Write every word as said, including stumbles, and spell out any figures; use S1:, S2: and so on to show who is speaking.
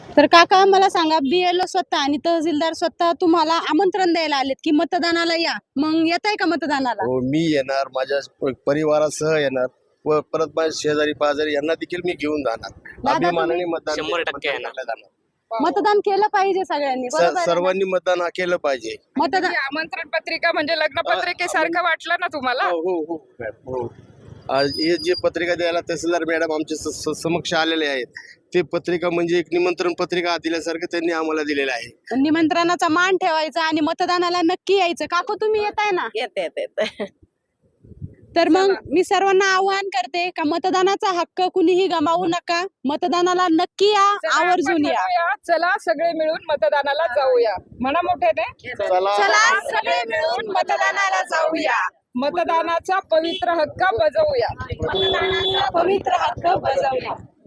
S1: तर काका मला सांगा, बीएलओ स्वतः आणि तहसीलदार स्वतः तुम्हाला आमंत्रण द्यायला आलेत की मतदानाला या, मग येत आहे का मतदानाला?
S2: हो, मी येणार, माझ्या प- परिवारासह येणार व परत माझ्या शेजारी पाजारी यांना देखील मी घेऊन जाणार. अभिमानाने मतदान
S3: शंभर टक्के येणार.
S2: मतदानाला जाणार.
S1: मतदान केलं पाहिजे सगळ्यांनी,
S2: स-
S1: बरोबर आहे ना?
S2: सर्वांनी मतदान हा केलं पाहिजे.
S1: मतदान
S4: ही आमंत्रण पत्रिका म्हणजे लग्न पत्रिकेसारखं वाटलं ना तुम्हाला?
S2: हो हो हो हो. आज हे जे पत्रिका द्यायला तहसीलदार मॅडम आमच्या स- स- समक्ष आलेले आहेत, ते पत्रिका म्हणजे एक निमंत्रण पत्रिका दिल्यासारखं त्यांनी आम्हाला दिलेलं आहे.
S1: निमंत्रणाचा मान ठेवायचा आणि मतदानाला नक्की यायचं. काकू तुम्ही येत आहे ना?
S5: येते येते येते.
S1: तर मग मी सर्वांना आवाहन करते का मतदानाचा हक्क कुणीही गमावू नका, मतदानाला नक्की या,
S4: चला
S1: आवर्जून
S4: आपण
S1: या.
S4: म्हणूया, चला सगळे मिळून मतदानाला जाऊया. म्हणा मोठ्याने,
S2: चला
S1: चला सगळे मिळून मतदानाला जाऊया,
S4: मतदानाचा पवित्र हक्क बजावूया.
S1: मतदानाचा पवित्र हक्क बजावूया.